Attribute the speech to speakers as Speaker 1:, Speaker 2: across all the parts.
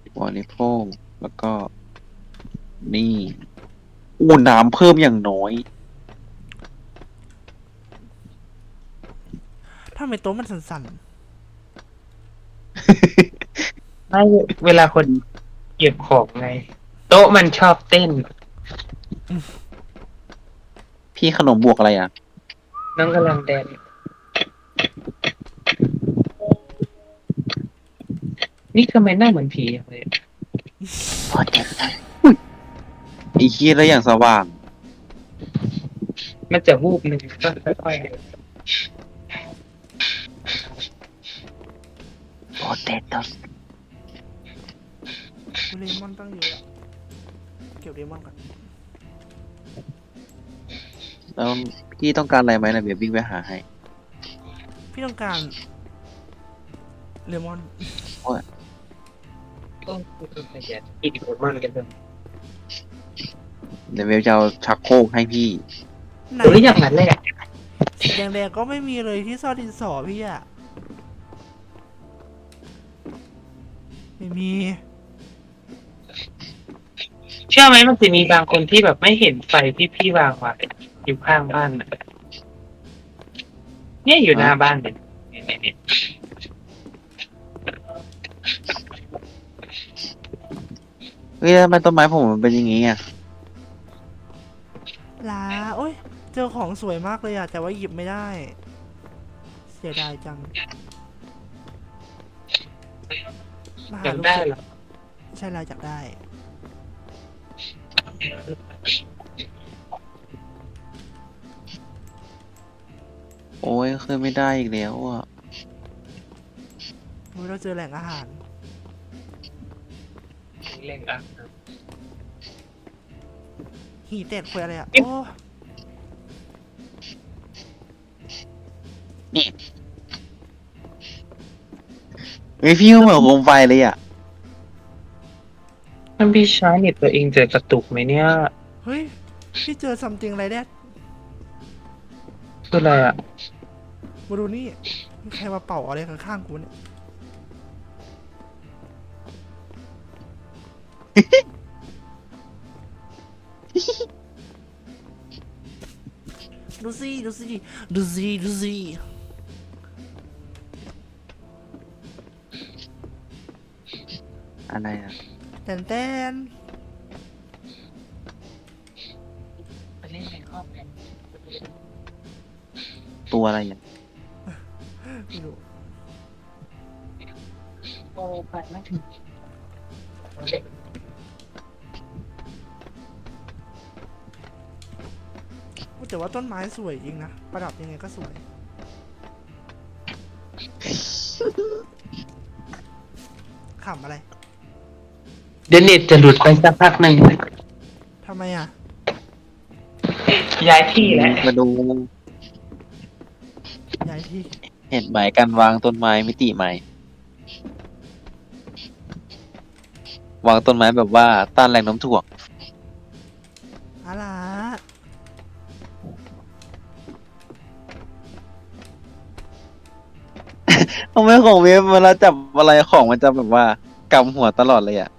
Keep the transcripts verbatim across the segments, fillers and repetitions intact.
Speaker 1: บริโภคแล้วก็นี่อู้น้ำเพิ่มอย่างน้อย
Speaker 2: ถ้าไมโต๊ะมันสั่น
Speaker 3: ไม่เวลาคนเก็บของไงโต๊ะมันชอบเต้น
Speaker 1: พี่ขนมบวกอะไรอ่ะ
Speaker 3: น้องกำลังแดนนี่ทำไมหน้าเหมือนผีอย่างเลย
Speaker 1: พอเจ็บไอ้ขี้ยแล้วอย่างสว่าง
Speaker 3: มันจะวูบหนึ่งก็ค่อย
Speaker 1: พอเจ็บแล้ว
Speaker 2: ๆเลมอนตั้งเยอะอะเก็บเลมอนก่อน
Speaker 1: แล้วพี่ต้องการอะไรไหมนะเดี๋ยววิ่งไปหาให้
Speaker 2: พี่ต้องการเลมอน
Speaker 1: โอ้ย
Speaker 3: ๆก็คือขยันกินโคมอนกันเลย
Speaker 1: เดี๋ยวเวลจะเอาชักโครกให้พี่
Speaker 2: ไหน
Speaker 3: หรืออย่างนั้นเลยอ่ะ
Speaker 2: สีแดงๆก็ไม่มีเลยที่ซ่อนดินสอพี่อะไม่มี
Speaker 3: เชื่อไหมมันจะมีบางคนที่แบบไม่เห็นไฟที่พี่วางไว้อยู่ข้างบ้านน่ะเนี่ยอยู่หน้าบ้านเนี่ยเนี่ยเนี่ย
Speaker 1: เฮ้ยแล้วทำไมต้นไม้ผมมันเป็นอย่างงี้อ่ะ
Speaker 2: ลาโอ้ยเจอของสวยมากเลยอะแต่ว่าหยิบไม่ได้เสียดายจังมาหา
Speaker 3: อยาก
Speaker 2: ลูกศิษย์
Speaker 3: ได้เหรอ
Speaker 2: ใช่แล้วอยากได้
Speaker 1: โอ้ยขึ้นไม่ได้อีกแล้วอ่ะ
Speaker 2: โอ้ยเราเจอแหล่งอาหาร
Speaker 3: เล่นอ่ะ
Speaker 2: หีเต็ดคุยอะไรอะโอ้
Speaker 1: เฮ้ยพี่ก็เหมือนโคมไฟเลยอ่ะ
Speaker 3: ถ้าพี่ใช้เน็ตตัวเองจะกระตุกไหมเนี่ย
Speaker 2: เฮ้ยพี่เจอซัมติงอะไรแดด
Speaker 3: คืออะไรอ่ะ
Speaker 2: มาดูนี่มีใครมาเป่าอะไรข้างๆกูเนี่ยดูสิดูสิดูสิดูสิ
Speaker 1: อะไรอ่ะ
Speaker 2: แตนแต้น
Speaker 3: ไปเล่นในครอบกัน
Speaker 1: ตัวอะไรอ่ะ
Speaker 2: ไม่รู้
Speaker 3: โอ้ไปไม่ถึง
Speaker 2: แต่ว่าต้นไม้สวยจริงนะประดับยังไงก็สวยขำอะไร
Speaker 3: เดี๋ยวเน็ตจะหลุดไปสักพักหนึ่ง
Speaker 2: ทำไมอ่ะ
Speaker 3: ย้ายที่แล้ว
Speaker 1: มาดู
Speaker 2: ย้ายที่
Speaker 1: เห็นไหมการวางต้นไม้มิติใหม่วางต้นไม้แบบว่าต้านแรงโน้มถ่วง
Speaker 2: อะไร
Speaker 1: ทำไมของเวฟเวลาจับอะไรของมันจะแบบว่ากำหัวตลอดเลยอ่ะ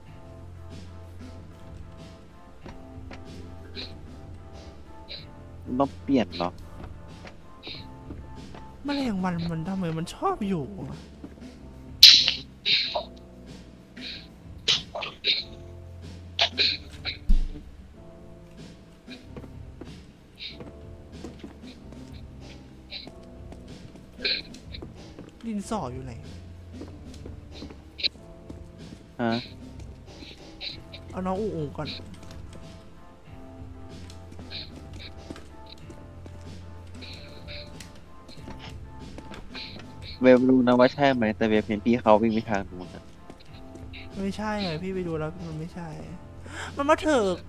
Speaker 1: มันต้องเปลี่ยนเหรอ
Speaker 2: แมลงวันมันทำไมมันชอบอยู่อะดินสออยู่ไหน
Speaker 1: ฮะ
Speaker 2: เอาน้องอูอูก่อน
Speaker 1: เวฟรู้นะว่าใช่ไหมแต่เวฟเห็นพี่เขาวิ่งไปทางนู้นอะ
Speaker 2: ไม่ใช่ไงพี่ไปดูแล้วมันไม่ใช่ มันมาเถิก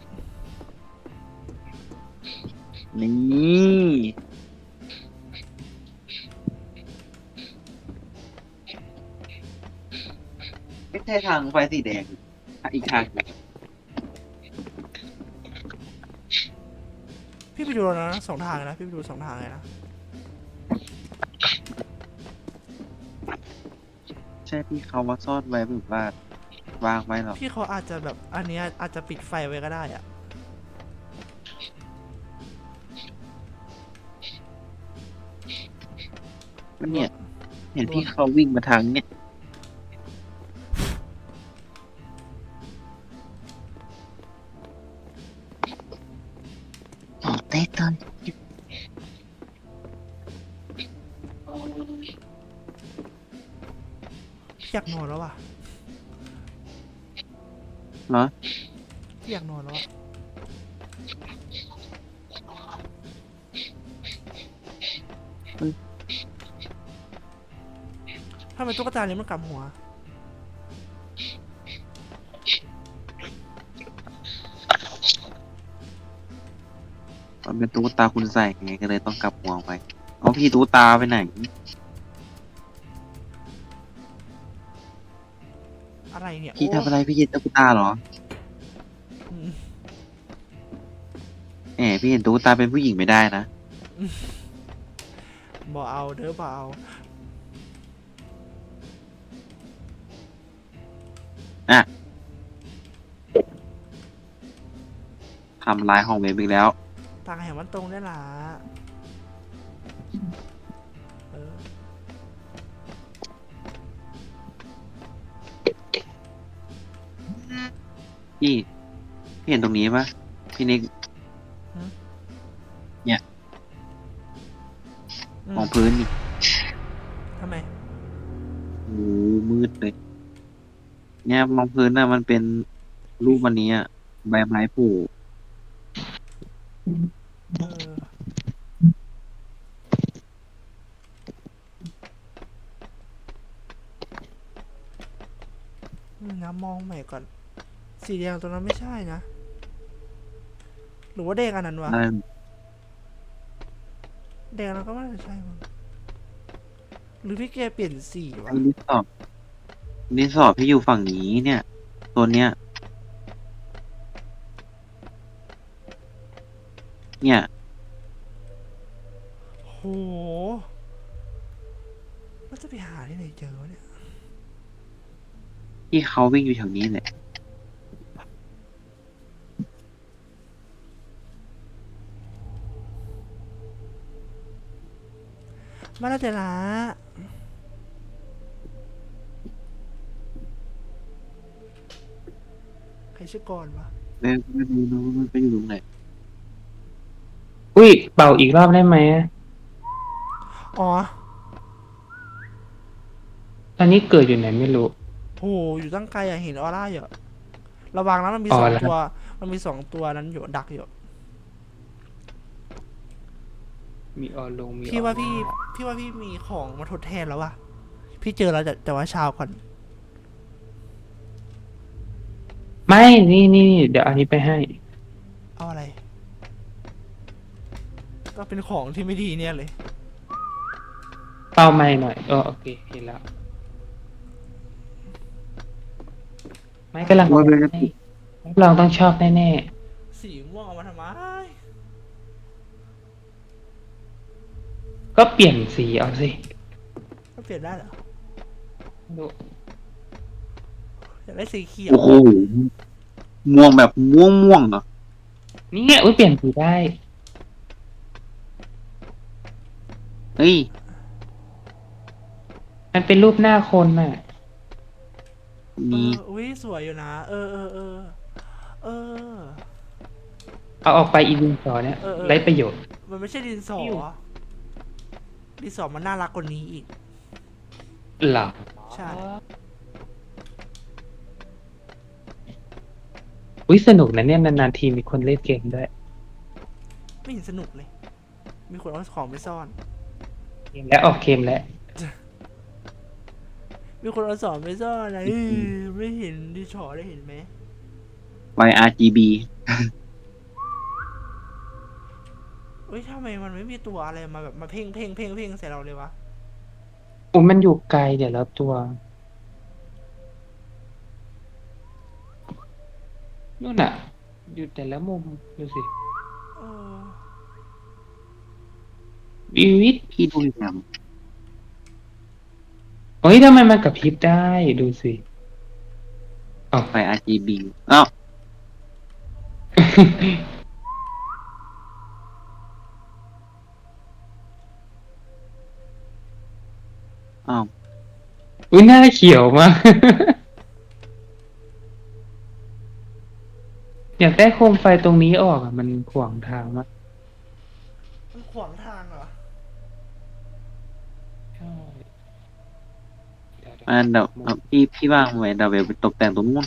Speaker 1: นี่ไม่ใช่ทางไฟสีแดงอีกทางหนึ่ง
Speaker 2: พี่ไปดูแล้วนะสองทางเลยนะพี่ไปดูสองทางเลยนะ
Speaker 1: ใช่พี่เขามาซ่อนไว้แบบว่าวางไว้หรอก
Speaker 2: พี่เขาอาจจะแบบอันเนี้ยอาจจะปิดไฟไว้ก็ได้อะ
Speaker 1: ก็เนี่ย เห็นพี่เขาวิ่งมาทางเนี่ยอ๋อเต้ตอน
Speaker 2: พี่อยากนอนแล้วว่ะ
Speaker 1: เหรอ
Speaker 2: พี่อยากนอนแล้วอะทำไมตุ๊กตาเนี้มันกลับหัว
Speaker 1: มันเป็นตุ๊กตาคุณใส่ไงก็เลยต้องกลับหัวไปเอาพี่ตุ๊กตาไปไหน
Speaker 2: อะไรเนี่ย
Speaker 1: พี่
Speaker 2: โอ้
Speaker 1: ทำอะไรพี่เห็นตุ๊กตาเหรอ
Speaker 2: อืม
Speaker 1: แหมพี่เห็นตุ๊กตาเป็นผู้หญิงไม่ได้นะ
Speaker 2: บ่เอาเด้อบ่เอา
Speaker 1: ทำลายห้องเว็บอีกแล้ว
Speaker 2: ต่างแห่งมันตรงได้ล่ะเออ
Speaker 1: พี่พี่เห็นตรงนี้ปะพี่นิก
Speaker 2: อืม
Speaker 1: มองพื้นนี่
Speaker 2: ทำไม
Speaker 1: โอ้โหมืดเลย เนี่ยมองพื้นน่ะมันเป็นรูปวันนี้อะใบไม้ผุ
Speaker 2: เอออืมนะมองใหม่ก่อน สีแดงตัวนั้นไม่ใช่นะ หรือว่าแดงอันนั้นวะ
Speaker 1: อะไร
Speaker 2: แดงแล้วก็ไม่น่าจะใช่มั้งหรือพี่แกเปลี่ยนสีวะ
Speaker 1: รีสอร์ทรีสอร์ทพี่อยู่ฝั่งนี้เนี่ย ตัวเนี้ย เนี่ย
Speaker 2: โหแล้วจะไปหาที่ไหนเจอวะเนี่ย
Speaker 1: ที่เขาวิ่งอยู่แถวนี้แหละ
Speaker 2: มาแล้วเจอละใครชื่อกรวะ
Speaker 1: ไม่ไม่รู้นะว่ามันไปอยู่ตรงไหน
Speaker 3: อุ้ยเป่าอีกรอบได้ไหม
Speaker 2: อ๋อ
Speaker 3: ตอนนี้เกิดอยู่ไหนไม่รู้
Speaker 2: โห อยู่ตั้งไกลอะเห็นออร่าอยู่อะระวังนะมันมี
Speaker 3: อ๋อ
Speaker 2: สอง
Speaker 3: แล้ว
Speaker 2: ตัว มันมีสองตัวนั้นอยู่ดักอยู่
Speaker 3: มีออลงมี
Speaker 2: พี่ว่า
Speaker 3: ออ
Speaker 2: พี่ พี่ว่าพี่มีของมาทดแทนแล้ววะพี่เจอแล้วแต่แต่ว่าเช้าก่อน
Speaker 3: ไม่นี่นี่เดี๋ยวอันนี้ไปให้
Speaker 2: เอาอะไร ก็เป็นของที่ไม่ดีเนี่ยเลย
Speaker 3: เป่าไม่หน่อยเออโอเคเห็นแล้ว ไม่กำลัง
Speaker 1: ว่าเป็นกระ
Speaker 3: ให้
Speaker 1: ตุก
Speaker 3: รับรองต้องชอบแน่
Speaker 2: สีม่วงเอามาทำไม
Speaker 3: ๆก็เปลี่ยนสีเอาสิ
Speaker 2: ก็เปลี่ยนได้เหรอ
Speaker 3: ดู
Speaker 2: อยากได้สีเขียว
Speaker 1: โอ้โห ม่วงแบบม่วงม่วงเหรอ
Speaker 3: นี่ไงอุ้ยเปลี่ยนสีได้
Speaker 1: เฮ้ย
Speaker 3: มันเป็นรูปหน้าคนน่ะ
Speaker 2: เอ
Speaker 1: มี
Speaker 2: ออุ้ยสวยอยู่นะ เออเออเออเออ
Speaker 3: เอาออกไปอีดินสอเนี่ย
Speaker 2: เออเออ
Speaker 3: ไร้ประโยชน์
Speaker 2: มันไม่ใช่ดินสอ
Speaker 3: อยู่
Speaker 2: ดินสอมันน่ารักกว่านี้อีก
Speaker 3: หรอ
Speaker 2: ใช่
Speaker 3: อุ้ยสนุกนะเนี่ยนานๆทีมีคนเล่นเกมด้วย
Speaker 2: ไม่เห็นสนุกเลย มีคนเอาของไปซ่อน
Speaker 3: เกมและออกเกมแล้ว
Speaker 2: มีคนเอาสอนไปซ่อนนะเออไม่เห็นดิชอได้เห็นไหม
Speaker 1: ไว อาร์ จี บี
Speaker 2: เอ้ยทำไมมันไม่มีตัวอะไรมาแบบมาเพ่งเพ่งเพ่งเพ่งใส่เราเลยวะ
Speaker 3: อุ้ยมันอยู่ไกลเดี๋ยวแล้วตัวนู่นน่ะ อยู่แต่ละมุมดูสิ
Speaker 2: เออ
Speaker 3: วิวิต
Speaker 1: พี่ดูอย่าง
Speaker 3: เฮ้ยทำไมมันกระพริบได้ดูสิอ้าว
Speaker 1: ไฟ อาร์ จี บี อ้าวอ้าว
Speaker 3: อุ้ยหน้าเขียวมาก อยากได้โคมไฟตรงนี้ออกอ่ะมันขวางทางมาก
Speaker 2: มันขวางทางเหรอ
Speaker 3: ใช่เดี๋ยวเดี๋ยว
Speaker 1: อันเดี๋ยว
Speaker 3: มุม
Speaker 1: เอาพี่พี่ว่างไว้เดี๋ยวไปตกแต่งตรงนู้น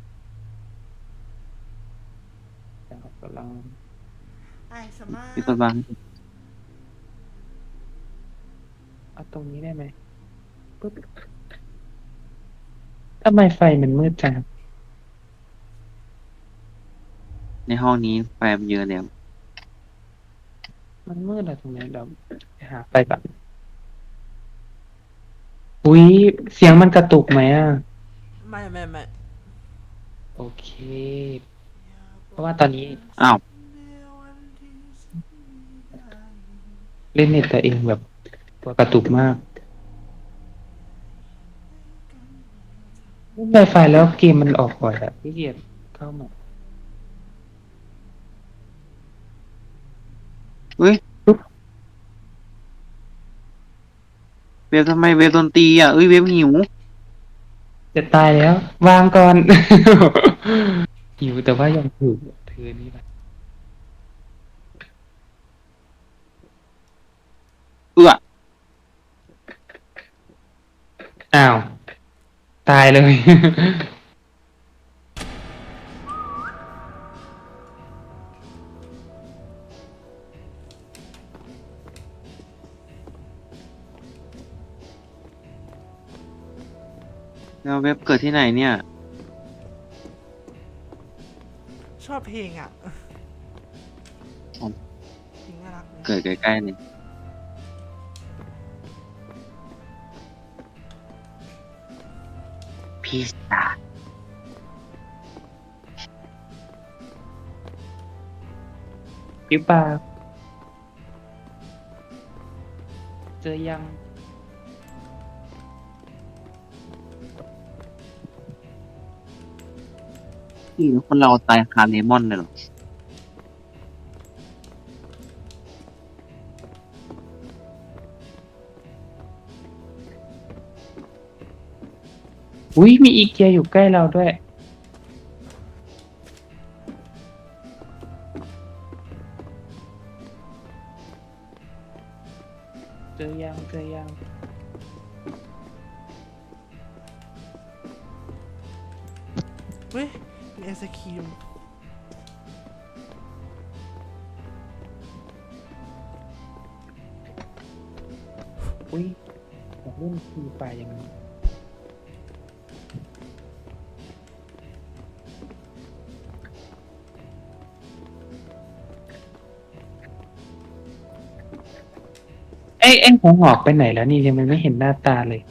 Speaker 3: กำลัง
Speaker 2: ไอ้สมาร์
Speaker 1: พี่คนวาง
Speaker 3: เอาตรงนี้ได้ไหมปึ๊บทำไมไฟมันมืดจัง
Speaker 1: ในห้องนี้ไฟมันเยอะแล้ว
Speaker 3: มันมืดอะตรงนี้เดี๋ยวไปหาไฟก่อนอุ้ยเสียงมันกระตุกไหมอ่ะ
Speaker 2: ไม่ไม่ไม่
Speaker 3: โอเค เพราะว่าตอนนี้
Speaker 1: อ้าว
Speaker 3: เล่นเน็ตตัวเองแบบตัวกระตุกมากเล่นไวไฟแล้วเกมมันออกบ่อยอะพี่เกียจเข้ามา
Speaker 1: เฮ้ย
Speaker 3: ปุ๊บ
Speaker 1: เว็บทำไมเว็บดนตรีอ่ะเอ้ยเว็บหิว
Speaker 3: จะตายแล้ว วางก่อน หิวแต่ว่ายังถูกเธอนี่แหละ
Speaker 1: เอื้อ
Speaker 3: อ้าว ตายเลย
Speaker 1: แล้วเว็บเกิดที่ไหนเนี่ย
Speaker 2: ชอบเพลงอ่ะ
Speaker 1: อ๋อ
Speaker 2: เพลงน่ารักเลย
Speaker 1: เกิดใกล้ๆนี่พี่สา
Speaker 3: ปิวปากเจอยัง
Speaker 1: พี่คนเราตายคาเลมอนเลยเหรอ
Speaker 3: อุ้ยมีอีเกียอยู่ใกล้เราด้วย เจอยังเจอยัง
Speaker 2: เฮ้ยมีไอศครีม
Speaker 3: อุ้ยอยากเล่นฟรีไฟร์ยังไงไอ้ไอ้หัวหอกไปไหนแล้วนี่ยังไม่เห็นหน้าตาเลย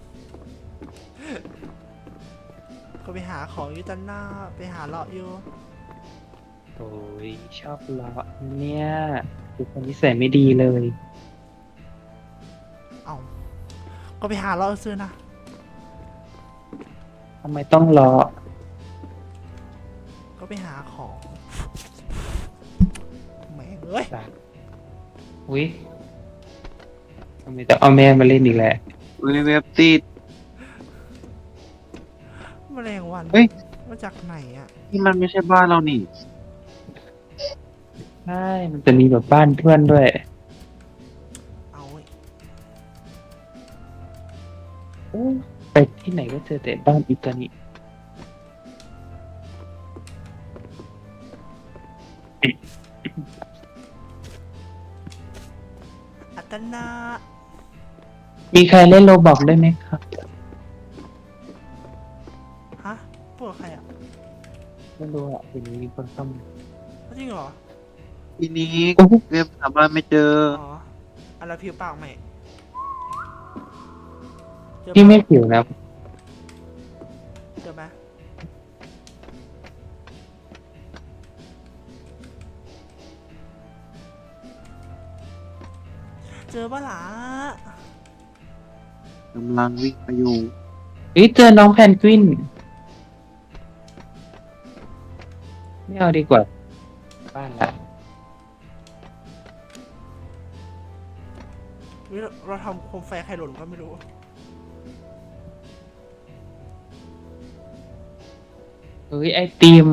Speaker 2: ก็ไปหาของอยู่ตันหน้าไปหาเลาะอยู่
Speaker 3: โอ้ยชอบเลาะเนี่ยคือคนนิสัยไม่ดีเลย
Speaker 2: เอาก็ไปหาเลาะซื้อนะ
Speaker 3: ทำไมต้องเลาะ
Speaker 2: ก็ไปหาของแหม่งเอ้ย
Speaker 3: จ้ะอุ้ยทำไมจะเอาแม่มาเล่นอีกแหละ
Speaker 1: เฮ้ยเว็บติด
Speaker 2: แมลงวัน
Speaker 1: เฮ้ย
Speaker 2: มาจากไหนอ่ะ
Speaker 1: นี่มันไม่ใช่บ้านเรานี่
Speaker 3: ใช่ มันจะมีแบบบ้านเพื่อนด้วย
Speaker 2: เอาเว้ย
Speaker 3: โอ้ไปที่ไหนก็เจอแต่บ้านอิตาลี
Speaker 2: อัตนา
Speaker 3: มีใครเล่นโรบอกได้ไหมครับ
Speaker 2: ฮะพวกใครอ่ะ
Speaker 3: ไม่รู้อ่ะทีนี้มีคนเข้ามา
Speaker 2: จริงเหรอ
Speaker 1: ทีนี้
Speaker 3: โอ้โห
Speaker 1: เว็บหาบ้านไม่เจอ
Speaker 2: อ๋ออันละผิวปากไหมเจอ
Speaker 3: พี่
Speaker 2: ปะ
Speaker 3: ไม่ผิวนะ
Speaker 2: เจอไหมเจอปะล่ะ
Speaker 1: กำลังวิ่งไปอยู่
Speaker 3: เฮ้ยเจอน้องแพนกวินไม่เอาดีกว่าบ้านละ
Speaker 2: วิเราเราทำโคมไฟใครหล่นก็ไม่รู้
Speaker 3: เฮ้ยไอติม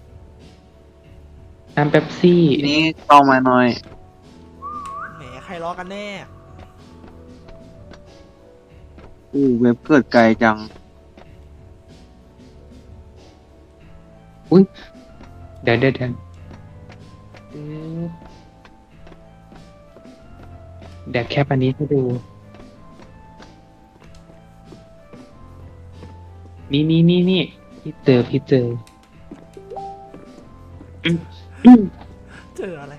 Speaker 3: น้ำเป๊ปซี่
Speaker 1: ทีนี้เข้ามาหน่อย
Speaker 2: แหมใครล้อกันแน่
Speaker 1: อู้เว็บเกิดไกลจัง
Speaker 3: อุ้ยเดี๋ยวเดี๋ยวเดี๋ยวปึ๊บเดี๋ยวแคปอันนี้ให้ดู นี่นี่นี่นี่พี่เจอพี่เจออืมอืม
Speaker 2: เจออะไร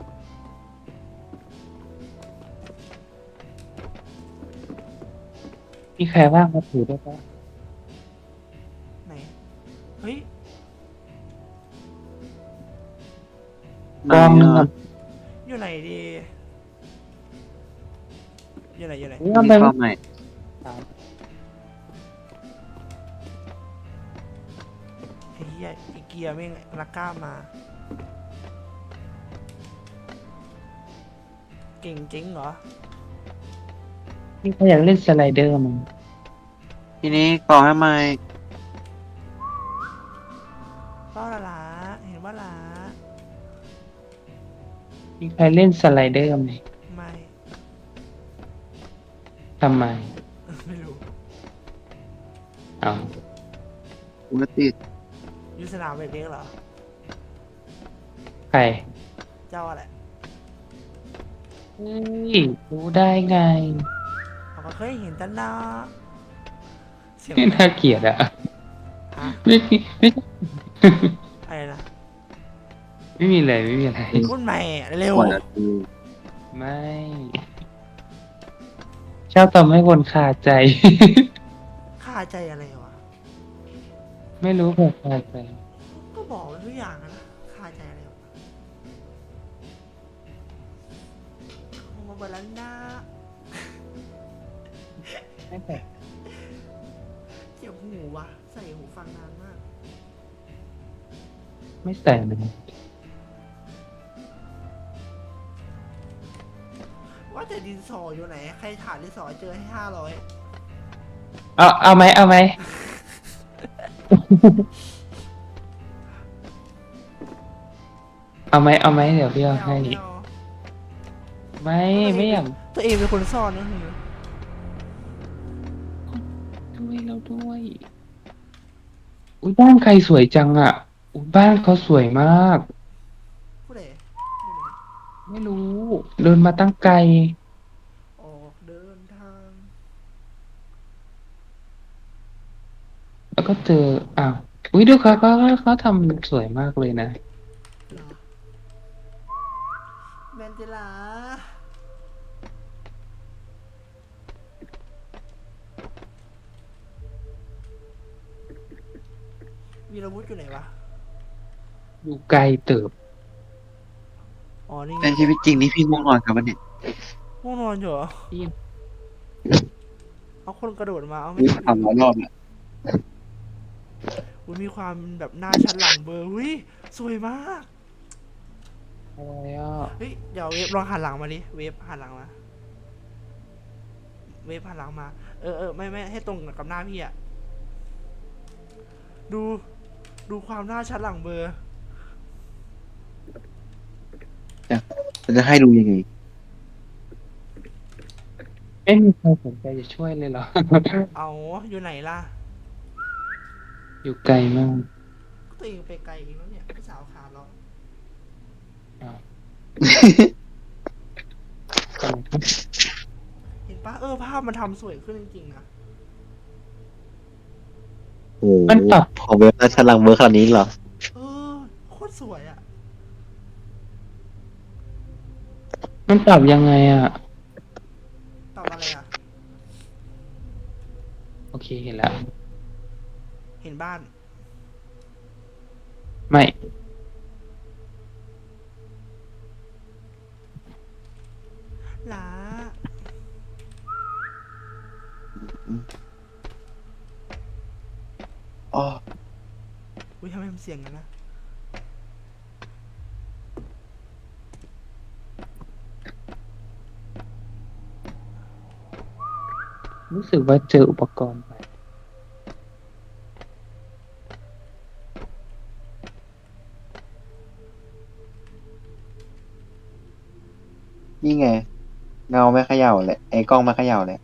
Speaker 3: มีใครว่างมาถือได้ปะ
Speaker 2: ไหน เฮ้ย
Speaker 1: ไหน
Speaker 3: กองหนึง
Speaker 1: อ่ะ
Speaker 3: อะ
Speaker 2: อยู่ไหนดี อยู่ไหนอยู่ไหน
Speaker 3: นี่
Speaker 1: ที
Speaker 3: ทำไม
Speaker 1: นี้เข้าใหม่
Speaker 2: ไอ้เหี้ยอีเกียไม่งรักกล้ามา เก่งจริงเหรอ
Speaker 3: นี่เขาอยากเล่นสไลเดอร์มั้ง
Speaker 1: ทีนี้ก่อให้ใหม่
Speaker 2: เป้าละละเห็นว่าละ
Speaker 3: มีใครเล่นสไลเดอร์ไหม
Speaker 2: ไม่
Speaker 3: ทำไม
Speaker 2: ไม่รู้
Speaker 3: เอา
Speaker 1: ปกติ
Speaker 2: อยู่สนามเด็กๆเหรอ
Speaker 3: ใคร
Speaker 2: เจ้าอะไร
Speaker 3: เฮ้ยรู้ได้ไง
Speaker 2: เขาก็เคยเห็นตั้งนาเสียง
Speaker 3: ไม่น่าเกลียดอะ
Speaker 2: ฮะ
Speaker 3: ไม่ไม่
Speaker 2: อะไรนะ
Speaker 3: ไม่มีอะไรไม่มีอะไร
Speaker 2: พูดใหม่เร็ว
Speaker 1: กว่าจะดู
Speaker 3: ไม่ ชอบทำให้คนคาใจ
Speaker 2: ค่าใจอะไรวะ
Speaker 3: ไม่รู้แบบคาใจ
Speaker 2: ก็บอกไว้ทุกอย่างนะค่าใจอะไรวะโอ้มาบาลันดา
Speaker 3: ไม่แต่
Speaker 2: เจ็บหูวะใส่หูฟังนานมาก
Speaker 3: ไม่ใส่เลย
Speaker 2: ว่าแต่ดินสออยู่ไหน ใครถามดินสอเจอให้ห้าร้อย
Speaker 3: เอาเอาไหมเอาไหม เอาไหมเอาไหมเดี๋ยวพี่เอาให้ ไม่ไม่อยาก
Speaker 2: ตัวเองเป็นคนซ่อนนะคือ
Speaker 3: ด้วยแล้วด้วย อุ้ยบ้านใครสวยจังอ่ะอุ้ยบ้านเขาสวยมาก
Speaker 2: ผู้ใด
Speaker 3: ไม่รู้ เดินมาตั้งไกล
Speaker 2: ออกเดินทาง
Speaker 3: แล้วก็เจออ้าวอุ้ยดูเขาเขาเขาทำสวยมากเลยนะ
Speaker 2: เหรอแมนเจลาวีรวุฒิอยู่ไหนวะ
Speaker 3: อยู่ไกลเติบ
Speaker 2: อ๋อ นี่ไง
Speaker 1: ในชีวิตจริงนี่พี่ง่วงนอนครับวันนี้
Speaker 2: ง่วงนอนอยู่เหรอ
Speaker 3: ที่
Speaker 2: เอาคนกระโดดมา เอาไม่
Speaker 1: วิ่ง
Speaker 2: ทัน
Speaker 1: ทำหลายรอบแล้ว
Speaker 2: อุ้ยมีความแบบหน้าชันหลังเบอร์อุ้ยสวยมาก
Speaker 3: อะไรอ่ะ
Speaker 2: เฮ้ย เดี๋ยวเวฟลองหันหลังมาดิ เวฟหันหลังมา เวฟหันหลังมา เออเออไม่ไม่ให้ตรงกับหน้าพี่อะดู ดูความหน้าชัดหลังเบอร์
Speaker 1: จะจะให้ดูยังไง
Speaker 3: ไม่มีใครสนใจจะช่วยเลยเหรอ
Speaker 2: เอาอยู่ไหนล่ะ
Speaker 3: อยู่ไกลมาก
Speaker 2: ก็ตัวเองไปไกลเองแล้วเนี่ยพี่สาวขาเรา
Speaker 3: อ้าว
Speaker 2: เห็นปะเออภาพมันทำสวยขึ้นจริงๆนะ
Speaker 4: โอ้โห
Speaker 3: มันปรับ
Speaker 4: ของเว็บราชลังเบอร์คราวนี้เหรอ
Speaker 2: เออโคตรสวยอะ
Speaker 3: มันปรับยังไงอ่ะ
Speaker 2: ตอบอะไรอะ
Speaker 3: โอเคเห็นแล้ว
Speaker 2: เห็นบ้าน
Speaker 3: ไม่
Speaker 2: หลา
Speaker 1: อ๋อ
Speaker 2: อุ้ยทำไมมันเสียงกันนะ
Speaker 3: รู้สึกว่าเจออุปกรณ์ใหม่
Speaker 1: นี่ไง เงาไม่เขย่าเลยไอ้กล้องไม่เขย่าเลย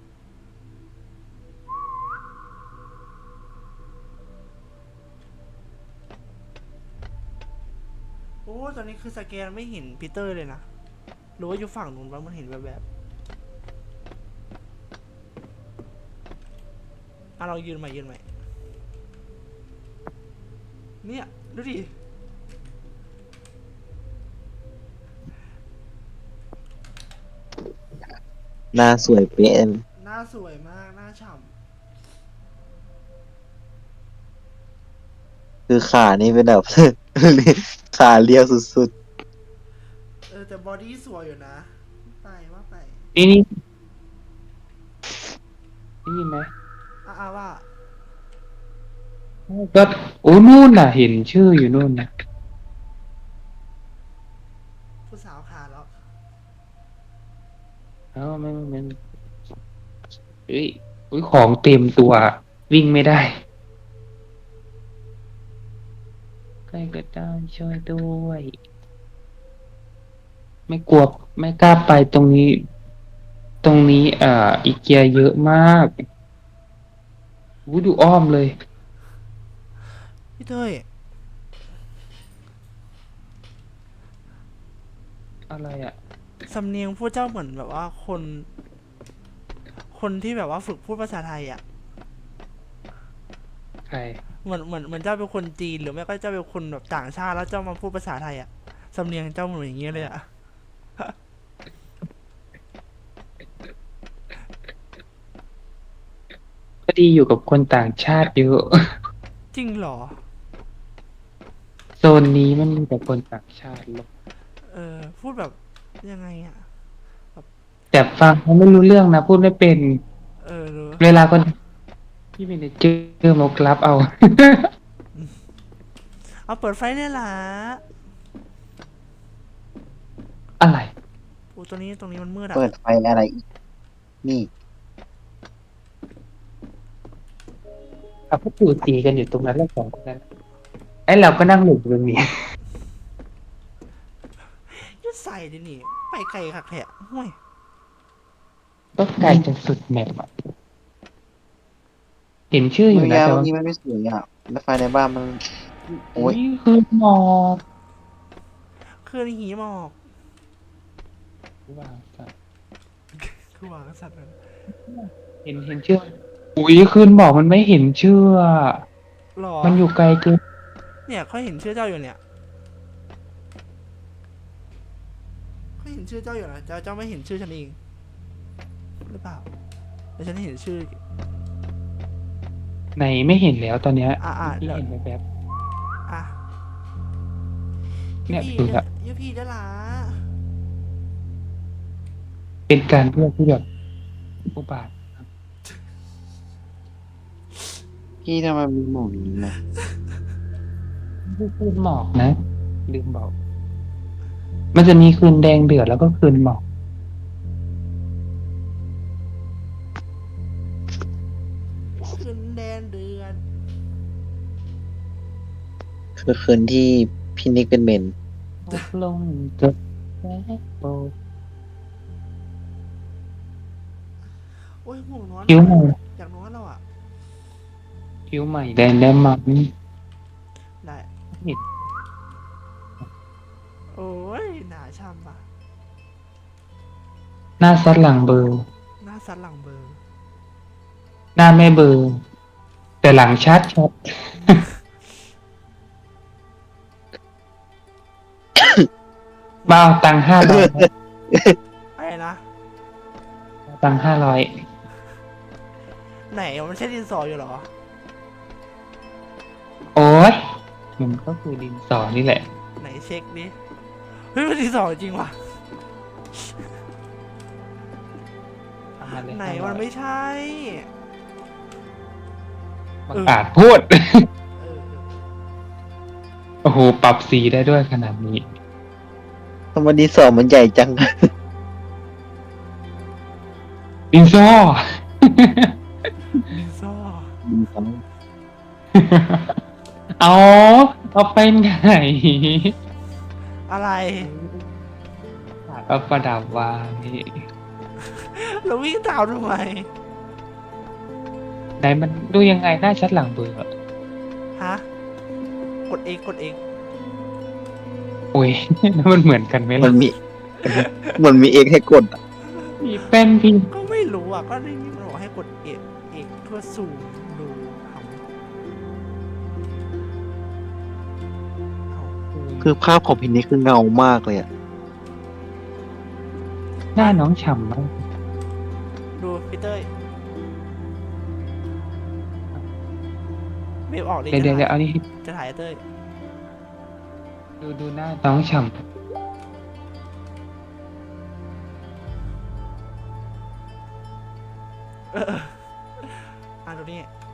Speaker 2: โอ้ตอนนี้คือสแกนไม่เห็นปีเตอร์เลยนะหรือว่าอยู่ฝั่งนู้นวะมันเห็นแบบแบบอ่ะเรายืนใหม่ยืนใหม่เนี่ยดูดิ
Speaker 4: หน้าสวยเป๊ะ
Speaker 2: หน้าสวยมากหน้าฉ่
Speaker 4: คือขานี่เป็นแบบ ขาเรียวสุด
Speaker 2: ำเออแต่บอดี้สวยอยู่นะไปว่าไป
Speaker 3: นี่นี่ได้ยินไหม
Speaker 2: อ่ะอ่ะว่า
Speaker 3: ก็โอ้นู่นน่ะ เห็นชื่ออยู่นู่นนะ
Speaker 2: ผู้สาวขาแล้ว
Speaker 3: เอ้าไม่ไม่ไม่เฮ้ยอุ้ยของเต็มตัว วิ่งไม่ได้ ใครก็ได้ช่วยด้วย ไม่กลัวไม่กล้าไปตรงนี้ ตรงนี้อ่าอีเกียเยอะมากวูดูอ้อมเลย
Speaker 2: พี่เต้ย
Speaker 3: อะไรอ่ะ
Speaker 2: สำเนียงผู้เจ้าเหมือนแบบว่าคน คนที่แบบว่าฝึกพูดภาษาไทยอ่ะ
Speaker 3: ใคร
Speaker 2: เหมือนเหมือนเหมือนเจ้าเป็นคนจีนหรือไม่ก็เจ้าเป็นคนแบบต่างชาติแล้วเจ้ามาพูดภาษาไทยอ่ะสำเนียงเจ้าเหมือนอย่างเงี้ยเลยอ่ะ
Speaker 3: ก็ดีอยู่กับคนต่างชาติเยอะ
Speaker 2: จริงเหรอ
Speaker 3: โซนนี้มันมีแต่คนต่างชาติหรอก
Speaker 2: เออพูดแบบยังไงอ่ะ
Speaker 3: แต่ฟังเขาไม่รู้เรื่องนะ พูดไม่เป็น
Speaker 2: เออหรือ
Speaker 3: เวลาคนที่เป็นเจอมากรับเอา
Speaker 2: เอาเปิดไฟเนี่ยล่ะ
Speaker 3: อะไร
Speaker 2: โอ้ตัวนี้ตรงนี้มันมืด
Speaker 1: ๆ
Speaker 2: อ่ะ
Speaker 1: เปิดไฟอะไรอีก นี่
Speaker 3: ขับพวกปู่ตีกันอยู่ตรงนั้นแล้วสองคนนั้นไอ้เราก็นั่งหลบอยู่ตรงนี้
Speaker 2: ยุดใส่ดินี่ไปไกลคักแท้ห่วย
Speaker 3: ก็ไกลจนสุดแมปอะเห็นชื่ออ
Speaker 1: เมื่
Speaker 3: ยู่
Speaker 1: อยา
Speaker 3: นะแต่
Speaker 1: เมื่อ
Speaker 3: ว่า
Speaker 1: กี้มันไม่สวยอ่ะแล้วไฟในบ้านมัน โอ้ย
Speaker 3: นี่คือหมอก
Speaker 2: คือหีหมอก
Speaker 3: วางสัตว์
Speaker 2: คือวางสัตว์เลย
Speaker 3: เห็นเห็นชื่ออุ้ยคืนหมอกมันไม่เห็นชื่ออะ
Speaker 2: หรอ
Speaker 3: มันอยู่ไกลเกิน
Speaker 2: เนี่ยเขาเห็นชื่อเจ้าอยู่เนี่ยเขาเห็นชื่อเจ้าอยู่นะเจ้าเจ้าไม่เห็นชื่อฉันเองหรือเปล่าแต่ฉันเห็นชื่อ
Speaker 3: ไหนไม่เห็นแล้วตอนเนี้ย
Speaker 2: อ่ะอ่ะ
Speaker 3: ที่
Speaker 2: เดี๋ยว
Speaker 3: เห็นแบบ
Speaker 2: อ่ะ
Speaker 3: เนี่ย
Speaker 2: พี่
Speaker 3: ดูละ
Speaker 2: ยูพี่ได้ละ
Speaker 3: ๆเป็นการเพื่อที่แบบอุบาท
Speaker 1: พี่ทำไมมีหมอกอย่างนี้นะ
Speaker 3: ไม่คืนหมอกนะลืมบอก มันจะมีคืนแดงเดือดแล้วก็คืนหมอก
Speaker 2: ขึ้นแดนเดือน
Speaker 4: คือคืนที่พี่นิกเป็นเมน
Speaker 3: ตกลงจะแพ้โบ
Speaker 2: โอ้ยห่วงนอน
Speaker 3: คิ้วใหม่
Speaker 2: อยากนอนแล้วอ่ะ
Speaker 3: คิ้วใหม่แดงได้มากนี่
Speaker 2: ได้
Speaker 3: เห็น
Speaker 2: โอ้ยหนาช่ำป่ะ
Speaker 3: หน้าซัดหลังเบอร์
Speaker 2: หน้าสันหลังเบอร์
Speaker 3: หน้าไม่เบอร์ แต่หลังชัดชัด มาเอาตังค์ห้าร้อย
Speaker 2: อะไรนะ
Speaker 3: ตังค์ห้าร้อย
Speaker 2: ไหนมันใช่ดินสออยู่เหรอ
Speaker 3: โอ้ยมันก็คือดินสอนี่แหละ
Speaker 2: ไหนเช็คดิ เฮ้ยมันดินสอจริงว่ะ
Speaker 3: เอามาเลย
Speaker 2: ไหนมันไม่ใช่
Speaker 3: บังอาจพูด
Speaker 2: เออเออ
Speaker 3: โอ้โห ปรับสีได้ด้วยขนาดนี้
Speaker 4: ทำไมดีสอมันใหญ่จัง
Speaker 3: ดินสอ
Speaker 1: ดีเขา
Speaker 3: เอาเอาไปไหน
Speaker 2: อะไร
Speaker 3: เอาประดับวางนี่
Speaker 2: เราวิ่งตามทำไม
Speaker 3: ไหนมันดูยังไงหน้าชัดหลังเบอร์อะ
Speaker 2: ฮะ กดเองกดเอง
Speaker 3: โอ้ย แล้วมันเหมือนกันไหม
Speaker 4: มั
Speaker 3: ล่ะ
Speaker 4: นมี มันมีเอกให้กดอะ
Speaker 3: มีแป้นพิมพ์
Speaker 2: ก็ไม่รู้อ่ะ ก็ได้ยินมันบอกให้กดเอกเอกเพื่อสูมดูทำเอา
Speaker 4: คือภาพของพินนี่คือเงามากเลยอะ
Speaker 3: หน้าน้องฉ่ำมาก
Speaker 2: ดูพี่เต้ยเบฟออกเลย
Speaker 3: เดี๋ยวเดี๋ยว
Speaker 2: จะ
Speaker 3: เดี๋ยว
Speaker 2: ถ่า
Speaker 3: เอา
Speaker 2: ย
Speaker 3: นี่
Speaker 2: จะถ่ายเต้ย
Speaker 3: ดูดูหน้าน้องฉ่
Speaker 2: เอออ่ะดูนี่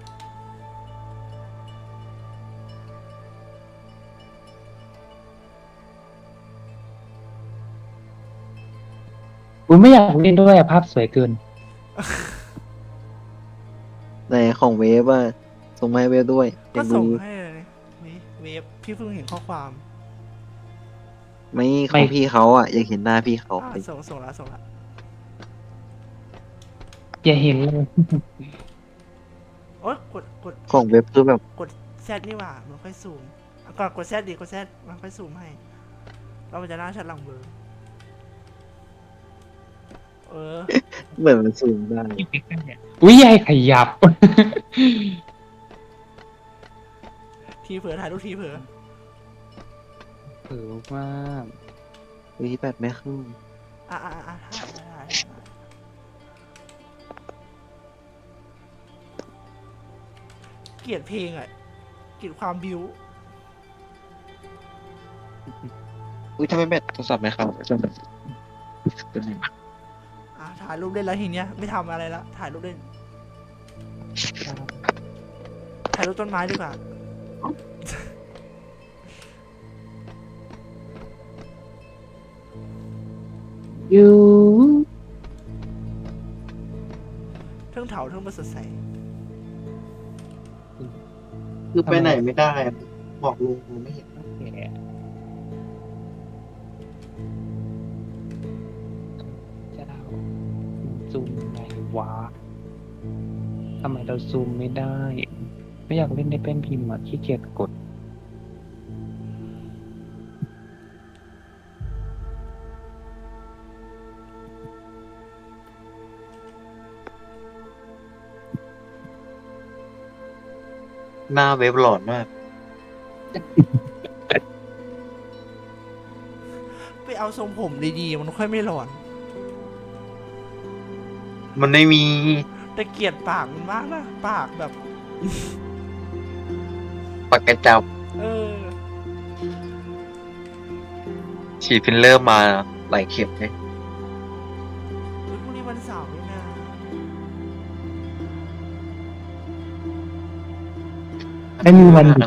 Speaker 3: ำกูไม่อยากเล่นด้วยอะภาพสวยเกิน
Speaker 4: ในของเวฟอะส่งมาให้เวฟด้วยอ
Speaker 2: ก็
Speaker 4: ยาก
Speaker 2: ส่
Speaker 4: ดู
Speaker 2: งให้เลยนี่เวฟพี่เพิ่งเห็นข้อความ
Speaker 4: ไม่ของพี่เขาอะอยากเห็นหน้าพี่เขา
Speaker 2: อ่ะส่งส่งแล้วส่งแล้ว
Speaker 3: อย่าเห็นเลย
Speaker 2: โอ๊ยกดกด
Speaker 4: ของเวฟคือแบบ
Speaker 2: กดแซดนี่หว่ามันค่อยซูมอ่ะก่อนกดแซดดีกดแซดมันค่อยซูมให้เรามันจะหน้าชัดหลังเบลอร์เออ
Speaker 4: เหมือนมันสูงได้
Speaker 3: อุ้ยยายขยับ
Speaker 2: ทีเผลอถ่ายรูปทีเผลอ
Speaker 3: เออมาก
Speaker 4: เฮ้ยแปดไม่ขึ้น
Speaker 2: อ่ะอ่ะอ่ะถ่ายถ่ายถ่ายถ่ายเกลียดเพลงอ่ะเกลียดความบิว
Speaker 4: อุ้ยทำไมแบตโทรศัพท์ไม่เข้าจนแบบเป็นไงวะ
Speaker 2: อ่ะถ่ายรูปเล่นแล้วทีเนี้ยไม่ทำอะไรละถ่ายรูปเล่นถ่ายรูปต้นไม้ดีกว่า
Speaker 3: อยู่
Speaker 2: เทิงเถาเทิงมาสดใส
Speaker 4: คือไปไหนไม่ได้อะบอกลุงลุงไม่เห็น
Speaker 3: แกเจ้าซูมไงวะทำไมเราซูมไม่ได้ ไม่อยากเล่นในแป้นพิมพ์อ่ะขี้เกียจกด
Speaker 4: หน้าเวฟหลอนมาก
Speaker 2: ไปเอาทรงผมดีๆมันค่อยไม่หลอน
Speaker 4: มันไม่มี
Speaker 2: แต่เกลียดปากมันมากนะปากแบบ
Speaker 4: ปากกระจับ
Speaker 2: เออ
Speaker 4: ฉีดฟิลเลอร์มาหลายเข็มเลย
Speaker 2: เฮ้ยพรุ่งนี้วันเสาร์นี่นะ
Speaker 3: ไม่มีวันหยุด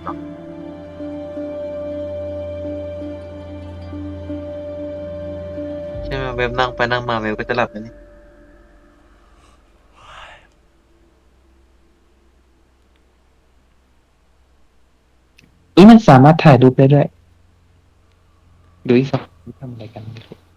Speaker 4: ใช่ไหมเวฟนั่งไปนั่งมาเวฟก็จะหลับแล้วนี่
Speaker 3: อุ้ยมันสามารถถ่ายรูปได้ด้วย ดูอีกสองทำอะไรกันไม่รู้